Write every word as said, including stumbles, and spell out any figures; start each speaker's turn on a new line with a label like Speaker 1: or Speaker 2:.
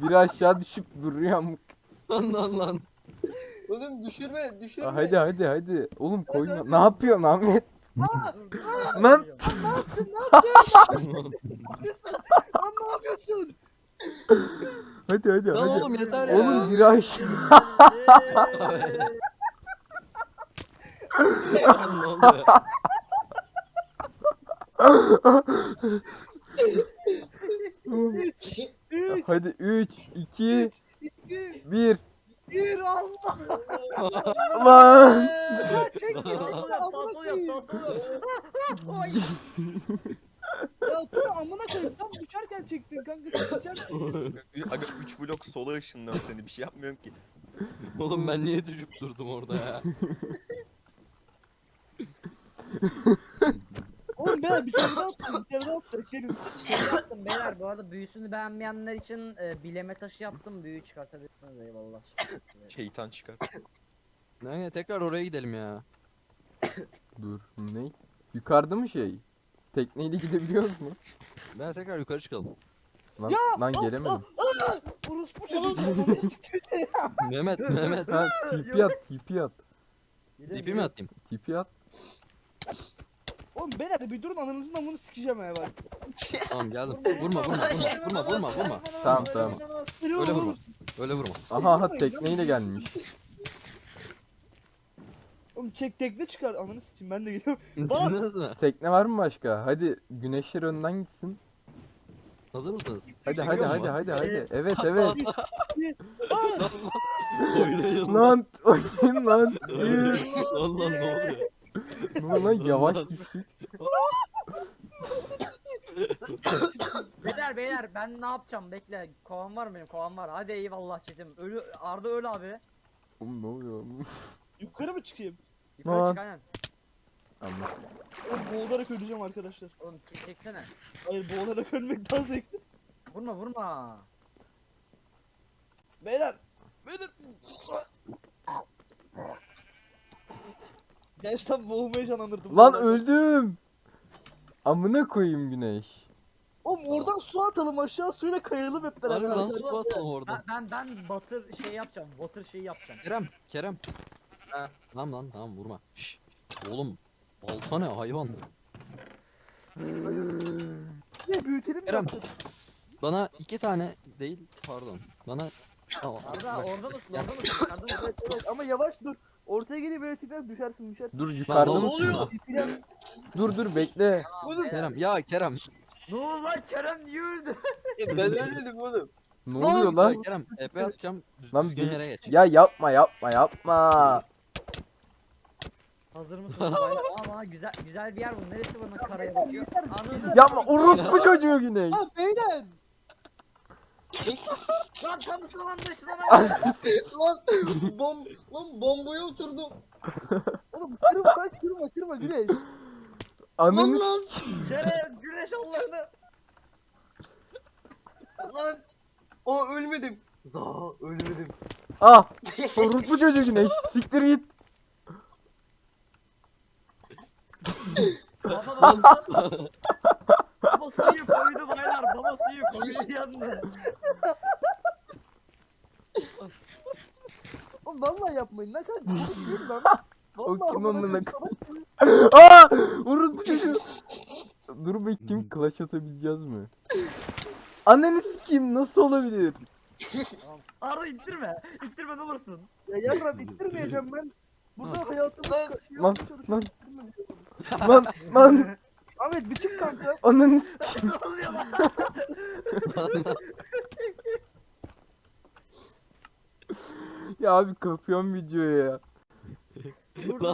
Speaker 1: Biri aşağı düşüp duruyor amık.
Speaker 2: Lan lan lan.
Speaker 3: Oğlum düşürme düşürme.
Speaker 1: Aa, Hadi hadi hadi. Oğlum koyma. Ne yapıyorsun Ahmet?
Speaker 4: Dur dur.
Speaker 1: Lan.
Speaker 4: Lan ne yapıyorsun?
Speaker 1: Hadi hadi
Speaker 2: Lan
Speaker 1: hadi.
Speaker 2: oğlum yeter ya.
Speaker 1: Oğlum biri aşağı.
Speaker 2: Lan ne oluyor?
Speaker 4: Üç,
Speaker 1: Hadi üç, iki,
Speaker 4: iki,
Speaker 1: bir.
Speaker 4: bir Allah.
Speaker 1: Lan.
Speaker 4: Ya çek
Speaker 2: Sağ
Speaker 4: ya.
Speaker 2: sol
Speaker 4: yap, sağ sol yap, sağ sol yap. Ay. Ya Tuna amına koyayım tam düşerken çektin kanka sen düşerken.
Speaker 5: Aga üç blok sola ışınlıyorum seni bir şey yapmıyorum ki.
Speaker 2: Oğlum ben niye düşüp durdum orada ya?
Speaker 4: Oğlum ben bir kere daha attım bir kere daha attım. Gelin.
Speaker 6: Şey yaptım beyler bu arada büyüsünü beğenmeyenler için e, bileme taşı yaptım. Büyü çıkartabilirsiniz eyvallah.
Speaker 5: Şeytan çıkar.
Speaker 2: Ne tekrar oraya gidelim ya.
Speaker 1: Dur. Ne? Yukarıda mı şey? Tekneyle gidebiliyoruz mu?
Speaker 2: Ben tekrar yukarı çıkalım.
Speaker 1: Lan,
Speaker 4: Ya,
Speaker 1: lan
Speaker 4: ah,
Speaker 1: gelemedim.
Speaker 4: Orospu çocuk. Oğlum.
Speaker 2: Mehmet Mehmet.
Speaker 1: Ha, T P at, T P at.
Speaker 2: Tipi mi atayım?
Speaker 1: T P at.
Speaker 4: Oğlum beyler bir durun ananızın amını sikeceğim ya bak.
Speaker 2: Tamam geldim. Vurma vurma vurma vurma vurma vurma.
Speaker 1: Tamam tamam.
Speaker 2: Öyle vurma. Öyle vurma.
Speaker 1: Aha aha tekneyle gelmiş.
Speaker 4: Oğlum çek tekne çıkar ananı sikeyim ben de geliyorum. Bak.
Speaker 2: Bindiniz mi?
Speaker 1: Tekne var mı başka? Hadi güneşler önden gitsin.
Speaker 2: Hazır mısınız?
Speaker 1: Hadi
Speaker 2: Çekiyor
Speaker 1: hadi
Speaker 2: mu?
Speaker 1: hadi hadi hadi. Evet evet.
Speaker 2: Oynayın.
Speaker 1: Lan oyun lan.
Speaker 2: Lan lan ne oluyor?
Speaker 1: Ne oluyor lan yavaş düştük.
Speaker 6: Beyler beyler ben ne yapacağım bekle. Kovan var mı benim kovan var. Hadi eyvallah çetim. Ölü Arda öl abi.
Speaker 1: Oğlum ne oluyor?
Speaker 4: Yukarı mı çıkayım?
Speaker 6: Yukarı
Speaker 1: Lan.
Speaker 6: çık aynen.
Speaker 1: Anladım.
Speaker 4: Oğlum boğularak öleceğim arkadaşlar.
Speaker 6: Oğlum çek, çeksene.
Speaker 4: Hayır boğularak ölmek daha zevkli.
Speaker 6: Vurma vurma.
Speaker 4: Beyler. Beyler. Gerçekten boğulmayı canlandırdım.
Speaker 1: Lan öldüm. Amına koyayım güneş.
Speaker 4: Oğlum oradan su atalım aşağı suyla kayalım hep beraber.
Speaker 2: Harbi lan
Speaker 4: arkadaşlar.
Speaker 2: su atalım orada.
Speaker 6: Ben ben, ben batır şey yapacağım. Water şeyi yapacağım.
Speaker 2: Kerem, Kerem.
Speaker 3: Ha.
Speaker 2: Tamam lan tamam vurma. Şşş. Oğlum balta ne hayvan.
Speaker 4: Ne büyütelim
Speaker 2: Kerem.
Speaker 4: yaptık.
Speaker 2: Bana iki tane değil pardon. Bana Tamam.
Speaker 6: Arda orada mısın orada mısın? Arda mısın?
Speaker 4: Evet, evet. Ama yavaş dur. Ortaya gelip böyle tekrar düşersin düşersin.
Speaker 1: Dur yukarıda
Speaker 2: Lan, ne
Speaker 1: mısın?
Speaker 2: oluyor?
Speaker 4: İplen.
Speaker 1: Dur dur bekle.
Speaker 4: Oğlum
Speaker 2: Kerem ya Kerem.
Speaker 6: Ne oldu lan Kerem niye öldü?
Speaker 3: Ben ölmedim oğlum.
Speaker 1: Ne oluyor lan?
Speaker 2: Ya Kerem epe atacağım. Düz,
Speaker 1: Lan
Speaker 2: düzgün
Speaker 1: bir-
Speaker 2: yere geç.
Speaker 1: Ya yapma yapma yapma.
Speaker 6: Hazır mısınız baylar? Ama güzel güzel bir yer bu. Neresi bunun karaya bakıyor? Anladın.
Speaker 1: Yapma orospu çocuğu güneş.
Speaker 4: Ha beyler.
Speaker 6: Lan tam sıvanmış lan.
Speaker 3: Lan bom lan bombaya oturdum.
Speaker 4: Oğlum kırma lan kırma kırma güneş.
Speaker 3: Lan
Speaker 1: Ananı
Speaker 3: lan
Speaker 6: Kerem güneş Allah'ını.
Speaker 3: lan. Aa ölmedim. Za ölmedim.
Speaker 1: Ah! Orospu çocuğu güneş. Siktir git.
Speaker 6: Baba baba. Baba suyu koydu baylar. Baba suyu koydu yalnız.
Speaker 4: Oğlum vallahi yapmayın ne kadar korkuyorum lan.
Speaker 1: O
Speaker 4: Vallahi
Speaker 1: kim
Speaker 4: amına
Speaker 1: amına
Speaker 4: koyayım, salak gibi.
Speaker 1: Aa! Orospu çocuğu. Dur bakayım clutch atabileceğiz mi? Ananı sikeyim nasıl olabilir?
Speaker 6: Arda ittirme. İttirme ne olursun.
Speaker 4: Ya yarram ittirmeyeceğim ben. Burada hayatımı
Speaker 3: Lan,
Speaker 4: şey
Speaker 1: lan,
Speaker 4: yapmaya çalışıyorum. İttirme.
Speaker 1: Lan lan
Speaker 4: Ahmet bir çık kanka.
Speaker 1: ananı sikeyim.
Speaker 6: Ne oluyor lan?
Speaker 1: Ya abi kapıyorum videoyu ya.
Speaker 6: Dur,
Speaker 2: Lan